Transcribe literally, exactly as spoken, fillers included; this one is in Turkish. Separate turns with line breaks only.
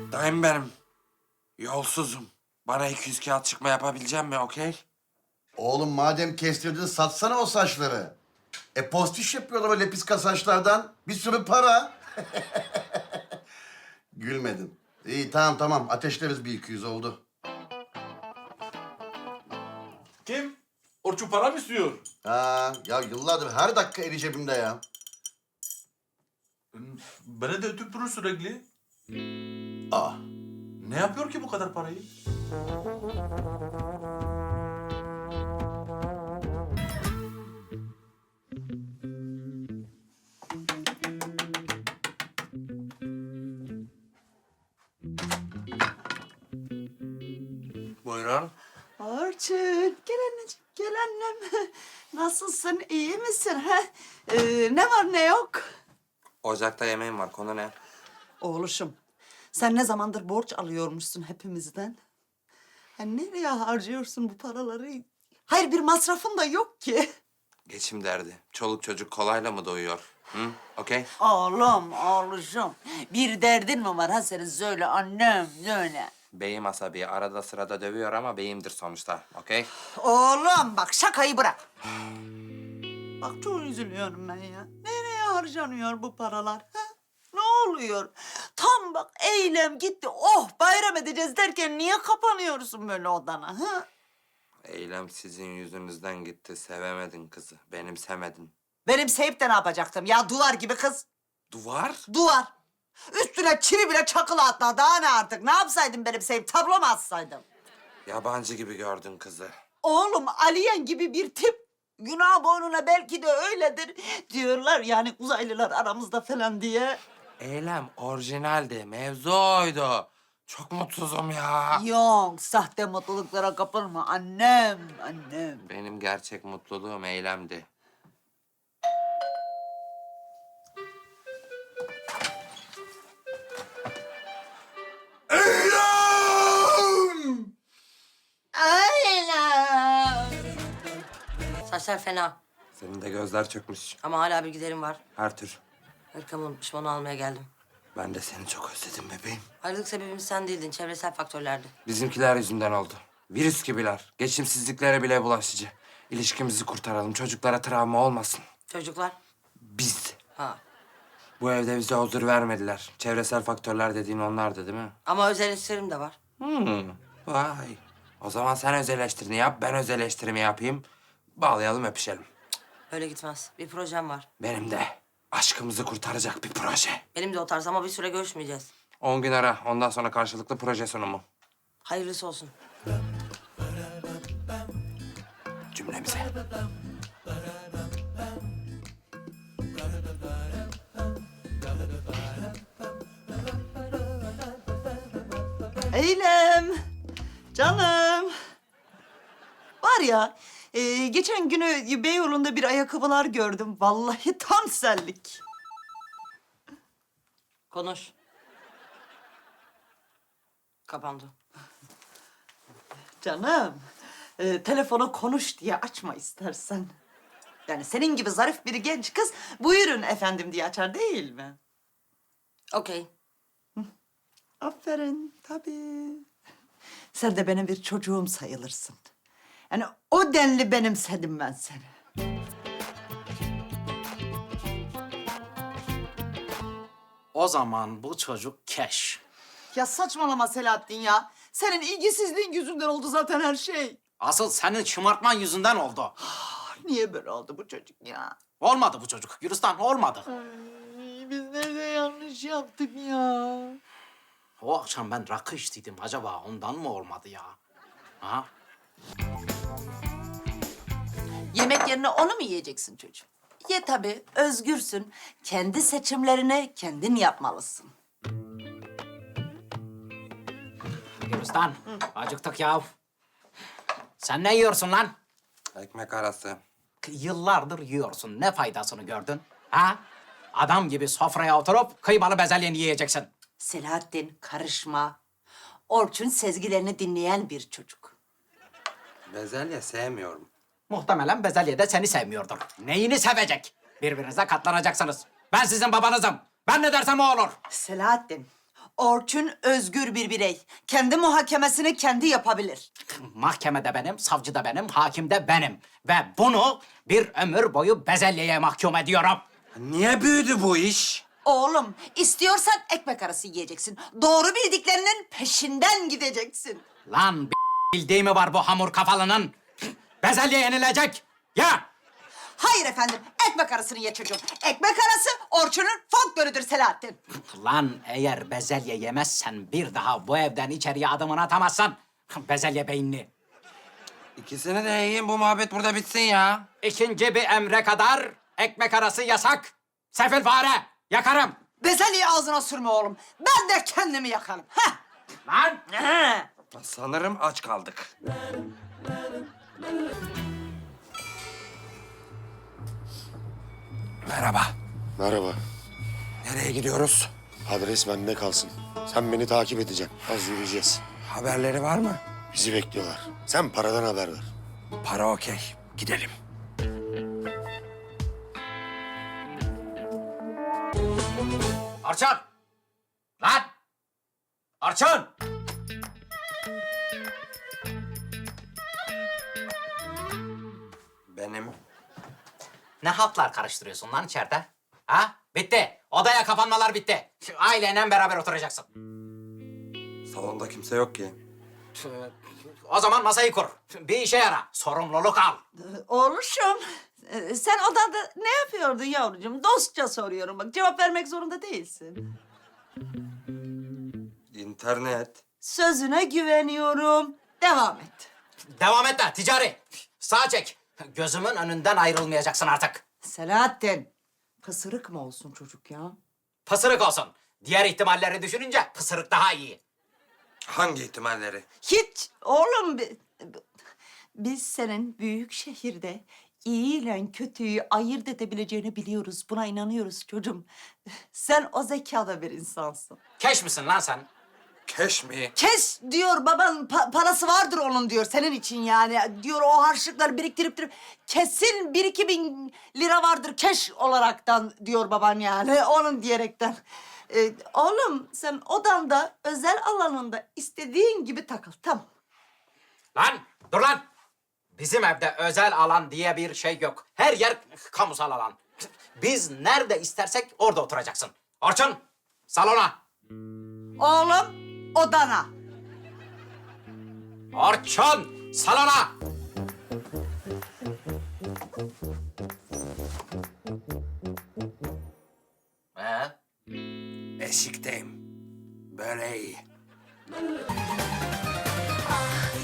Dayım benim. Yolsuzum. Bana iki yüz kağıt çıkma yapabilecek mi, okey?
Oğlum madem kestirdin satsana o saçları. E postiş yapıyorlar öyle piska saçlardan. Bir sürü para. Gülmedin. İyi tamam tamam ateşleriz bir iki yüz oldu.
Kim? Orçun para mı istiyor?
Ha, ya yıllardır her dakika eli cebimde ya.
Bana da ötüp durur sürekli.
Aa,
Ne yapıyor ki bu kadar parayı?
Buyurun.
Orçun, gel anneciğim, gel annem. Nasılsın, iyi misin? Ha? Ee, ne var ne yok?
Ocakta yemeğim var, konu ne?
Oğluşum, sen ne zamandır borç alıyormuşsun hepimizden? Ha, nereye harcıyorsun bu paraları? Hayır, bir masrafın da yok ki.
Geçim derdi. Çoluk çocuk kolayla mı doyuyor? Hı? Okey?
Oğlum, oğluşum. Bir derdin mi var ha senin? Söyle annem, söyle.
Beyim asabi. Arada sırada dövüyor ama beyimdir sonuçta. Okey?
Oğlum bak şakayı bırak. Bak çok üzülüyorum ben ya. Nereye harcanıyor bu paralar? Ha? Ne oluyor? Tam bak eylem gitti. Oh bayram edeceğiz derken niye kapanıyorsun böyle odana? Ha?
Eylem sizin yüzünüzden gitti. Sevemedin kızı. Benimsemedin.
Benim sevip de ne yapacaktım ya? Duvar gibi kız.
Duvar?
Duvar. Üstüne çivi bile çakılı hatta. Daha ne artık? Ne yapsaydım benim sevip? Tablo mu assaydım?
Yabancı gibi gördün kızı.
Oğlum Aliyen gibi bir tip. Günah boynuna belki de öyledir diyorlar yani uzaylılar aramızda falan diye.
Eylem orijinaldi. Mevzu oydu. Çok mutsuzum ya.
Yok, sahte mutluluklara kapılma annem, annem.
Benim gerçek mutluluğum eylemdi.
Aynen.
Saçlar fena
Senin de gözler çökmüş.
ama hala bir giderim var.
Her tür.
Hırkamı unutmuşum, onu almaya geldim.
Ben de seni çok özledim bebeğim.
Ayrılık sebebimiz sen değildin, çevresel faktörlerdi.
Bizimkiler yüzünden oldu. Virüs gibiler. Geçimsizliklere bile bulaşıcı. İlişkimizi kurtaralım. Çocuklara travma olmasın.
Çocuklar,
Biz.
ha.
Bu evde bize huzur vermediler. Çevresel faktörler dediğin onlardı değil mi?
Ama öz eleştirim de var.
Hmm. Vay. O zaman sen öz eleştirini yap, ben öz eleştirimi yapayım. Bağlayalım, öpüşelim.
Öyle gitmez. Bir projem var.
Benim de aşkımızı kurtaracak bir proje.
Benim de o tarz ama bir süre görüşmeyeceğiz.
On gün ara. Ondan sonra karşılıklı proje sunumu.
Hayırlısı olsun.
Cümlemize.
Eylem, canım. Var ya, e, geçen günü Beyoğlu'nda bir ayakkabılar gördüm. Vallahi tam senlik.
Konuş. Kapandı.
Canım, e, telefonu konuş diye açma istersen. Yani senin gibi zarif bir genç kız buyurun efendim diye açar değil mi?
Okey.
Aferin, tabii. Sen de benim bir çocuğum sayılırsın. Yani o denli benimsedim ben seni.
O zaman bu çocuk keş.
Ya saçmalama Selahattin ya. Senin ilgisizliğin yüzünden oldu zaten her şey.
Asıl senin şımartman yüzünden oldu.
Niye böyle oldu bu çocuk ya?
Olmadı bu çocuk. Gülistan olmadı.
Ay, biz nerede yanlış yaptık ya?
O akşam ben rakı içtiydim. Acaba ondan mı olmadı ya? Ha?
Yemek yerine onu mu yiyeceksin çocuğum? Ye tabii, özgürsün. Kendi seçimlerini kendin yapmalısın.
Gülistan, acıktık ya. Sen ne yiyorsun lan?
Ekmek arası.
Yıllardır yiyorsun. Ne faydasını gördün? Ha? Adam gibi sofraya oturup kıymalı bezelyeni yiyeceksin.
Selahattin, karışma. Orçun sezgilerini dinleyen bir çocuk.
Bezelye sevmiyorum.
Muhtemelen bezelye de seni sevmiyordur. Neyini sevecek? Birbirinize katlanacaksınız. Ben sizin babanızım. Ben ne dersem o olur.
Selahattin, Orçun özgür bir birey. Kendi muhakemesini kendi yapabilir.
Mahkemede benim, savcı da benim, hakim de benim. Ve bunu bir ömür boyu bezelyeye mahkum ediyorum.
Niye büyüdü bu iş?
Oğlum, istiyorsan ekmek arası yiyeceksin. Doğru bildiklerinin peşinden gideceksin.
Lan b- bildiği mi var bu hamur kafalının? Bezelye yenilecek. Ya!
Hayır efendim, ekmek arasını ye çocuğum. Ekmek arası Orçun'un folklorüdür Selahattin.
Lan eğer bezelye yemezsen bir daha bu evden içeriye adımını atamazsan bezelye beyinli.
İkisini de yiyin, bu muhabbet burada bitsin ya.
İkinci bir emre kadar ekmek arası yasak. Sefil fare, yakarım.
Bezelyeyi ağzına sürme oğlum. Ben de kendimi yakarım. Heh.
Lan!
Sanırım aç kaldık. Merhaba.
Merhaba.
Nereye gidiyoruz?
Adres bende kalsın. Sen beni takip edeceksin. Az yürüyeceğiz.
Haberleri var mı?
Bizi bekliyorlar. Sen paradan haber ver.
Para okey. Gidelim.
Orçun! Lan! Orçun!
Benim.
Ne haltlar karıştırıyorsun lan içeride? Ha? Bitti. Odaya kapanmalar bitti. Aileyle beraber oturacaksın.
Salonda kimse yok ki.
O zaman masayı kur. Bir işe yara. Sorumluluk al.
Oğluşum, e, sen odada ne yapıyordun yavrucuğum? Dostça soruyorum bak, cevap vermek zorunda değilsin.
İnternet.
Sözüne güveniyorum. Devam et.
Devam et de ticari. Sağa çek. Gözümün önünden ayrılmayacaksın artık.
Selahattin, pısırık mı olsun çocuk ya?
Pısırık olsun. Diğer ihtimalleri düşününce pısırık daha iyi.
Hangi ihtimalleri?
Hiç oğlum, bi- bi- biz senin büyük şehirde iyi ile kötüyü ayırt edebileceğini biliyoruz. Buna inanıyoruz çocuğum. Sen o zekada bir insansın.
Keş misin lan sen?
Keş mi?
Kes diyor baban, pa- parası vardır onun diyor senin için yani. Diyor o harçlıkları biriktirip dirip kesin bir iki bin lira vardır keş olaraktan diyor baban yani onun diyerekten. Ee, oğlum sen odanda özel alanında istediğin gibi takıl, tamam.
Lan dur lan. Bizim evde özel alan diye bir şey yok. Her yer kamusal alan. Biz nerede istersek orada oturacaksın. Orçun salona.
Oğlum odana.
Orçun salona. Ee?
Eşikteyim. Böyle iyi.